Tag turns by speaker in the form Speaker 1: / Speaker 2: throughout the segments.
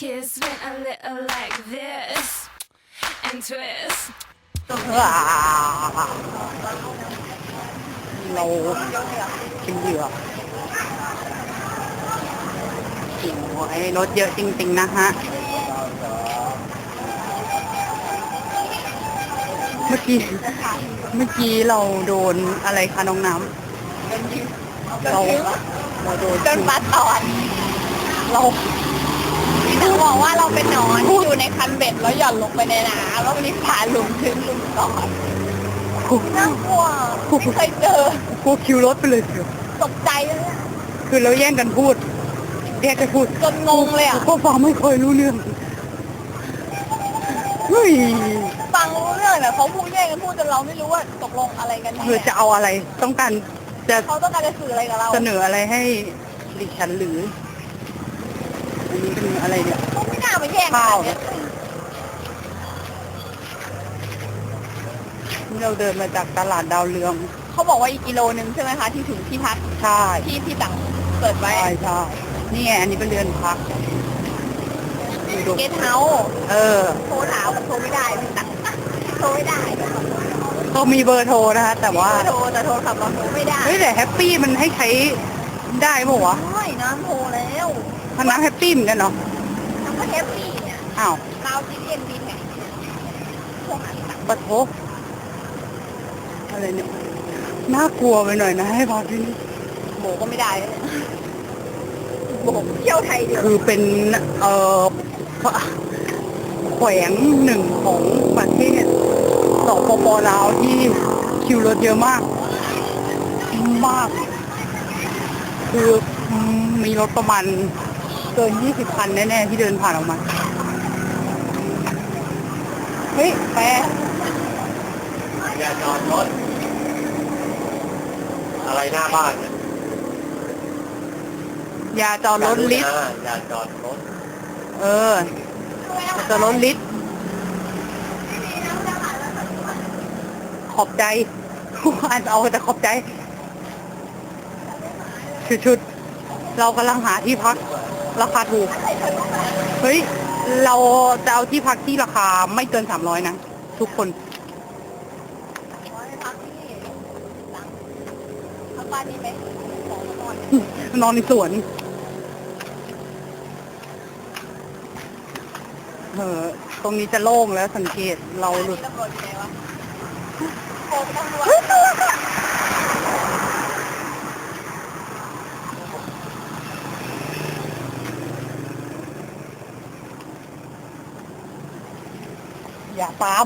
Speaker 1: kiss went a little like this and twist.
Speaker 2: เราเป็นเหยื่อโอ้ยรถเยอะจริงๆนะฮะเมื่อกี้เราโดนอะไรคะน้องน้ำเราโดน
Speaker 3: บัสตอนเราบอกว่าเราเป็นหนอนที่อยู่ในคันเบ็ดแล้วหย่อนลงไปในน้ำแล้วมีขาหลุมถึงหลุมก่อนน่ากลัวไม่เคยเจอ
Speaker 2: พวกคิวรถไปเลยเชียว
Speaker 3: ตกใจเลย
Speaker 2: คือเราแย่งกันพูด
Speaker 3: จนงงเลยอ่ะ
Speaker 2: ก็ฟังไม่เคยรู้เรื่องเฮ้ย
Speaker 3: ฟังรู้เรื่องแต่เขาพูดแย่งกันพูดจนเราไม่รู้ว่าตกลงอะไรกันแน่
Speaker 2: เธอจะเอาอะไรต้องการจะ
Speaker 3: เขาต้องการจะสื่ออะไรกับเรา
Speaker 2: เสนออะไรให้ดิฉันหรืออันนี้เป็นอะไรเนี่ย
Speaker 3: เขาไม่น่ามาแย่งกันเนี่ย
Speaker 2: เราเดินมาจากตลาดดาวเรือง
Speaker 3: เขาบอกว่าอีกกิโลนึงใช่ไหมคะที่ถึงที่พัก
Speaker 2: ใช่
Speaker 3: ที่ต่างเปิดไว้
Speaker 2: ใช่นี่ไงอันนี้เป็นเรือนพักดู
Speaker 3: เกสเฮาส์ โทรถามโทรไม่ได้ไม่ตังโทรไม่ได้
Speaker 2: ก็มีเบอร์โทรนะคะแต่ว่า
Speaker 3: โทรแต่โทรศัพท์เราโทรไม่ได้
Speaker 2: เฮ้ยแต่แฮปปี้มันให้ใช้ได้ป่าวะ
Speaker 3: ใช่น้ำโทรแล้ว
Speaker 2: พนักแฮปปี้เหมือนกันเนาะ
Speaker 3: ทำก็แฮปปี้เนี่ย
Speaker 2: อ้าว
Speaker 3: เราจีเอ็นบินไงพวกนั้นต่าง
Speaker 2: ปะโถอะไรเนี่ยน่ากลัวไปหน่อยนะให้พอที่นี่
Speaker 3: โบก็ไม่ได้เลยโบเที่ยวไทยเดียว
Speaker 2: คือเป็นแขวงหนึ่งของประเทศสปป.ลาวที่คิวรถเยอะมากคือมีรถประมาณเกิน20 คันแน่ๆที่เดินผ่านออกมาเฮ้ยแปร
Speaker 4: อย่าจอดรถอะไรหน้าบ้านเนี่ย
Speaker 2: อย่าจอดรถลิฟต์
Speaker 4: อย่าจอดรถ
Speaker 2: อย่าจอดรถลิฟต์ขอบใจอ่านเอาแต่ขอบใจชุดเรากำลังหาที่พักราคาถูกเฮ้ยเราจะเอาที่พักที่ราคาไม่เกิน300นะทุกคน
Speaker 3: พักที่หลังพักบ้านนี้ไหมของนอน
Speaker 2: นอนในสวนตรงนี้จะโล่งแล้วสังเกตเราหลุด
Speaker 3: ตำรวจอยู่ไหนวะโทรไปตำรวจ
Speaker 2: อย่าตาม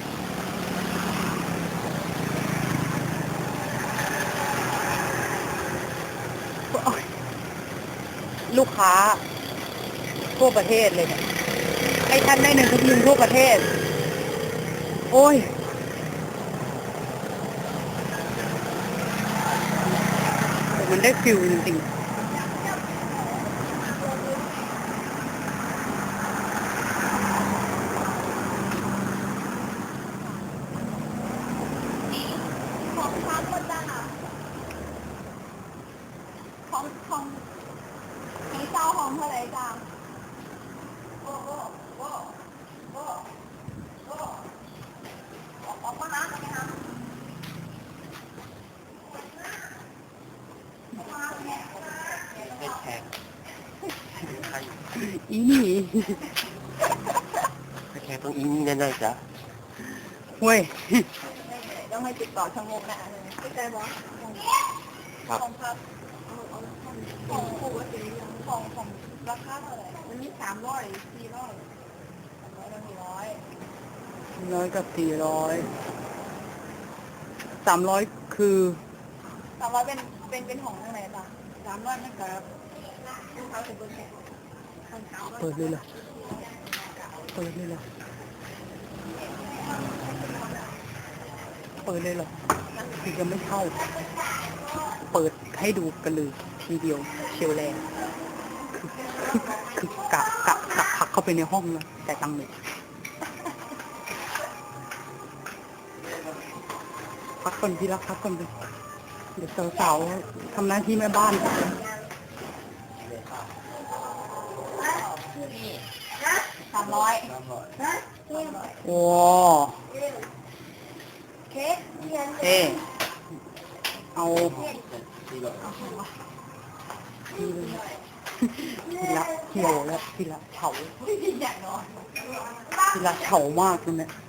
Speaker 2: ลูกค้าทั่วประเทศเลยเนี่ยให้ท่านได้หนึ่งทุกยิงทั่วประเทศ โอ้ยมันได้ฟิลจริงๆ
Speaker 3: ของพักคนจ้าของเจ้าของเท่าไหร่จ้าออกมานะไหมคะ
Speaker 4: ให้แขกใคร
Speaker 2: อีนี่
Speaker 4: ให้แขกต้องอิงแน่ๆจ้ะ
Speaker 2: เว้ย
Speaker 3: ต้องให้ติดต่อชะงกนะเข้าใจบอส
Speaker 4: ครับ
Speaker 3: ของพักของปกติของราคาเท่าไหร่มันมี300 400 300
Speaker 2: 100 กับ 400 300คือ
Speaker 3: 400เป็นของอะไรบ้าง300นั่นกับลูกค้าถึงเบอร์แค่
Speaker 2: เปิดเลยเหรอเปิดเลยเหรอคือยังไม่เข้าเปิดให้ดูกันเลยทีเดียวเชียวแรงคือกะพักเข้าไปในห้องแล้วแต่ตังค์เลยพักก่อนพี่รักพักก่อนเลยเดี๋ยวสาวๆทำหน้าที่แม่บ้าน
Speaker 3: นี่300
Speaker 2: โอ้
Speaker 3: เค้กเทียน
Speaker 2: เอ๊เอาทีละเหี่ยวแล้วทีละเฉา
Speaker 3: อยากนอน
Speaker 2: ทีละเฉามากเลยเนี่ย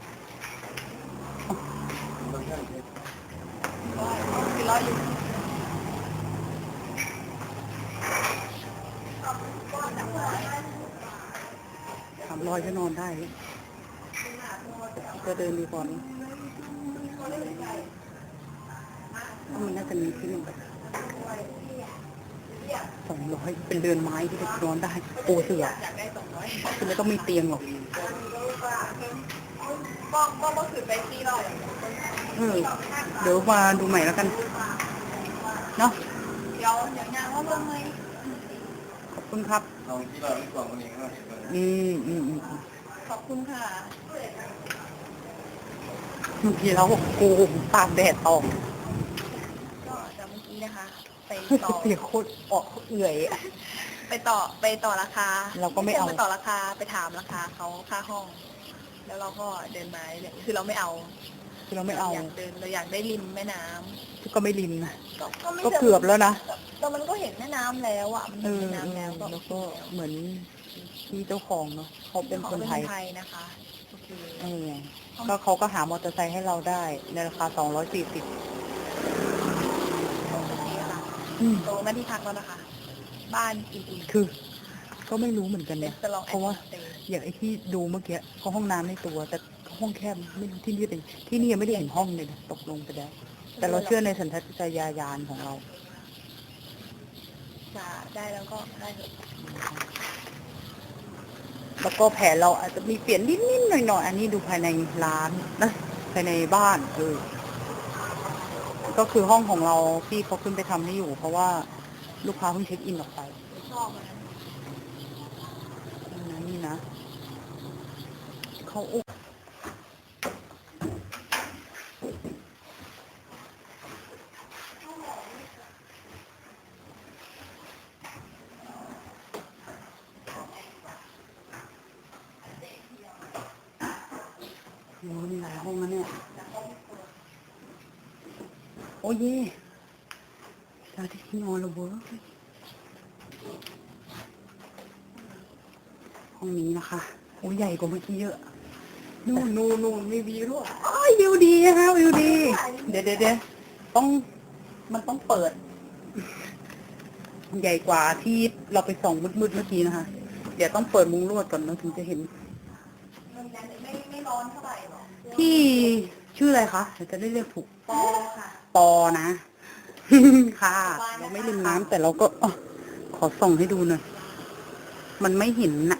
Speaker 3: คือร้อยอยู่
Speaker 2: 300ก็นอนได้จะเดินดีกว่านี้มันน่าจะมีที่หนึ่ง200เป็นเรือนไม้ที่จะนอนได้ปูเสื่อ
Speaker 3: อยากได้200
Speaker 2: คือไม่ต้องมีเตียงหรอก
Speaker 3: ก็คือไปที่เรา
Speaker 2: เดี๋ยวมาดูใหม่แล้วกัน เนาะ
Speaker 3: เดี๋ยวงานว่าเรื่องไหม
Speaker 2: ขอบคุณครับ
Speaker 4: ลองที่เราไม่กลัวคนนี้ก็เห็นเลย
Speaker 3: ขอบคุณค่ะ
Speaker 2: เมื่อกี้เรากูตากแดดออก
Speaker 3: ก็จากเมื่อกี้นะคะ ไปต่อ
Speaker 2: เสียโคตรออกเอื่อยอะ
Speaker 3: ไปต่อราคา
Speaker 2: เราก็ไม่เอา
Speaker 3: ไปต่อราคาไปถามราคาเขาค่าห้อง แล้วเราก็เดินมาเลยคือเราไม่เอา
Speaker 2: คือเราไม่เอา
Speaker 3: อยากเดินเราอยากได้ริมแม่น้ำ
Speaker 2: ก็ไม่ริมนะ
Speaker 3: ไม่
Speaker 2: ก็เกือบแล้วนะ
Speaker 3: แต่มันก็เห็นแม่น้ำแล้วอ่ะมัน
Speaker 2: เอ
Speaker 3: เห็น
Speaker 2: อ
Speaker 3: แม่น้ำแล้ว
Speaker 2: แล้วก็เหมือนที่เจ้าของเนาะเขาเป็นคนไทย
Speaker 3: นะคะโอเค
Speaker 2: ก็เขาก็หามอเตอร์ไซค์ให้เราได้ในราคา240
Speaker 3: โอเคค่ะตรงหน้าที่พักแล้วนะคะ บ้านอุ่นๆ
Speaker 2: คือ ก็ไม่รู้เหมือนกันเนี่ย
Speaker 3: จะลอง
Speaker 2: เพราะว่า
Speaker 3: แอดมิน
Speaker 2: อย่างไอ้ที่ดูเมื่อกี้ก็ห้องน้ำในตัว แต่ห้องแคบไม่รู้ที่นี่เป็นที่นี่ยังไม่ได้เห็นห้องเลยนะตกลงไปแล้ว แต่เราเชื่อในสัญชาตญาณของเรา
Speaker 3: จะได้แล้วก็ได้เถอะ
Speaker 2: แล้วก็แผนเราอาจจะมีเปลี่ยนนิดๆหน่อยๆอันนี้ดูภายในร้านนะภายในบ้านก็คือห้องของเราพี่เขาขึ้นไปทำให้อยู่ เพราะว่าลูกค้าเพิ่งเช็คอินออกไป
Speaker 3: ชอบมัน
Speaker 2: นี่นะเขาอุกมีหลายห้องนะเนี่ย โอ้ยตาที่นอนเราเวิร์กห้องนี้นะคะโอ้ยใหญ่กว่าเมื่อกี้เยอะ นู่นมีวิวด้วยอ๋อวิวดีนะคะวิวดี เดี๋ยวมันต้องเปิด ใหญ่กว่าที่เราไปส่องมืดเมื่อกี้นะคะ เดี๋ยวต้องเปิดมุ้งลวดก่อนนะถึงจะเห็น
Speaker 3: มันไม่ร้อนเท่าไหร่หรอก
Speaker 2: พี่ชื่ออะไรคะเดี๋ยวจะได้เรียกถูก
Speaker 3: ปอค่ะ
Speaker 2: ปอนะ ค่ะเราไม่ลืมน้ำแต่เราก็ขอส่องให้ดูหน่อย มันไม่เห็นน่ะ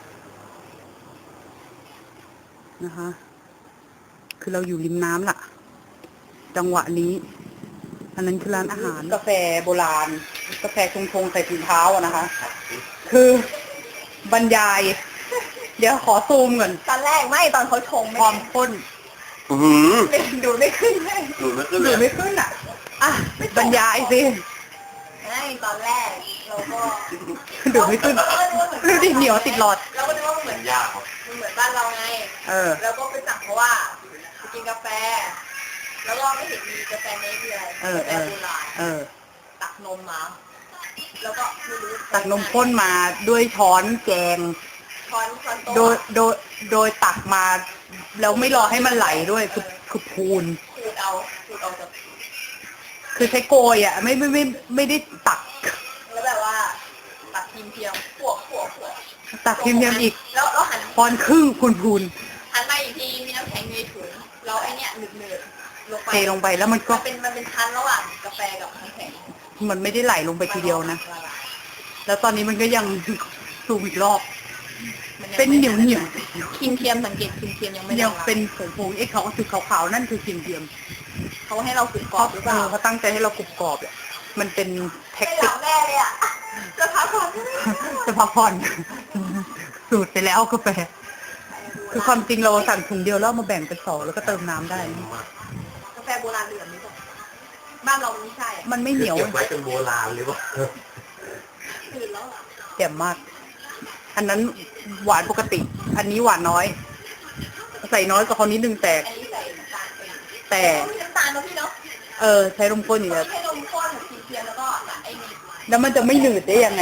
Speaker 2: นะคะ คือเราอยู่ริมน้ำล่ะ จังหวะนี้ อันนั้นคือร้านอาหาร กาแฟโบราณ กาแฟชงใส่ถุงเท้าอะนะคะ คือบรรยาย เดี๋ยวขอซูมก่อน
Speaker 3: ตอนแรกไม่ตอนเขาชง
Speaker 2: ความข้น
Speaker 3: ดูไม่ขึ้นเลย
Speaker 4: หลุดไม่ขึ้น
Speaker 2: ห
Speaker 4: เล
Speaker 2: รือย ไม่ขึ้นอ่ะ อ่ะ บรรยายสิ
Speaker 3: ไม่ตอนแรกเราก็
Speaker 2: ดูไม่ขึ้นดูดิเหนียวติดหลอด
Speaker 3: เราก็นึกว่ามันเหมือน
Speaker 4: ยากครับ
Speaker 3: มันเหมือนบ้านเราไง แล้วก็ไปสั่งเพราะว่าไปกินกาแฟ แล้วก็ไม่เห็นมีกาแฟเนสเลย
Speaker 2: เออ
Speaker 3: กาแฟโบราณ ตักนมมา แล้วก็ไม่รู้
Speaker 2: ตักนมข้นมาด้วยช้อนแกง
Speaker 3: ช้อนโต
Speaker 2: โดยตักมาแล้วไม่รอให้มันไหลด้วยคือพูน
Speaker 3: ขูดเอาจาก
Speaker 2: คือใช้โกยอ่ะไม่ได้ตัก
Speaker 3: แล้วแบบว่าตักเทียมขวบ
Speaker 2: ตักเทียมๆอีก
Speaker 3: แล้วหัน
Speaker 2: พรครึ่งพูน
Speaker 3: หันมาอีกทีมีน้ำแข็งในถุงแล้วไอเนี้ยหนืดๆลงไป
Speaker 2: เทลงไปแล้วมันก็
Speaker 3: มันเป็นชั้นระหว่างกาแฟกับน้ำแข็ง
Speaker 2: มันไม่ได้ไหลลงไปทีเดียวนะ
Speaker 3: ละลาย
Speaker 2: แล้วตอนนี้มันก็ยังสูบอีกรอบ
Speaker 3: มันยัง
Speaker 2: เป็นเหนียว
Speaker 3: ครีมเทียมสังเกตครีมเทียมยังไม่
Speaker 2: ยัง
Speaker 3: ละลาย
Speaker 2: เป็นผงไอ้ขาวๆนั่นคือเทียม
Speaker 3: เขาให้เราฝึก
Speaker 2: ๆ
Speaker 3: กรอบหรือเปล่า
Speaker 2: เขาตั้งใจให้เรากรุบกรอบอ่ะมันเป็นแท็ก
Speaker 3: ไม่ห
Speaker 2: ติ
Speaker 3: ลั
Speaker 2: ก
Speaker 3: บแน่เลยอ่ะจะพักผ่อน
Speaker 2: จะพักผ่อน สูตรไปแล้วกาแฟ คือความจริงเราสั่งถุงเดียวแล้วเอามาแบ่งเป็นสองแล้วก็เติมน้ำได้
Speaker 3: กาแฟโบราณเหลืองนี่ป่ะบ้านเราไม่ใช่อะ
Speaker 2: มันไม่เหนียว
Speaker 4: เก็บไว้เป็นโบราณหรือเปล่า
Speaker 3: คืนแล้วอ่ะ
Speaker 2: แจ่มมากอันนั้นหวานปกติ อันนี้หวานน้อย ใส่น้อยกว่าเขานิดนึงแต่
Speaker 3: อันนี้ใส่น้ำตาลไป
Speaker 2: แต่
Speaker 3: มีน้ำตาลเนาะพี่เนาะ
Speaker 2: ใช้นมข้นอยู่แล้ว
Speaker 3: ให้นมข้นสีเทียมแล้วก็ไอ้นี่
Speaker 2: แล้วมันจะไม่หนืดได้ยังไง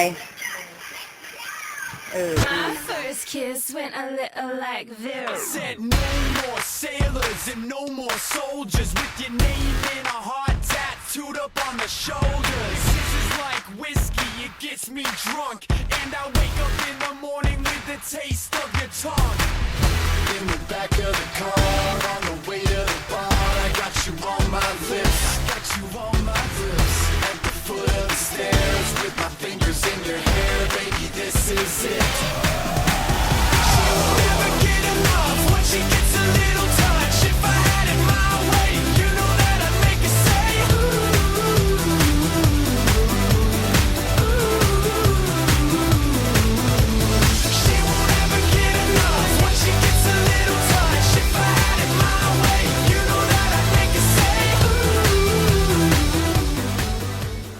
Speaker 1: My first kiss went a little like this.
Speaker 5: Said no more sailors and no more soldiers with your name in a heart tattooed up on the shoulders. This is like whiskey, it gets me drunk, and I wake up in the morning with the taste of your tongue. In the back of the car, on the way to the bar, I got you on my lips, I got you on my lips. At the foot of the stairs, with my fingers in your hair, baby, this is it.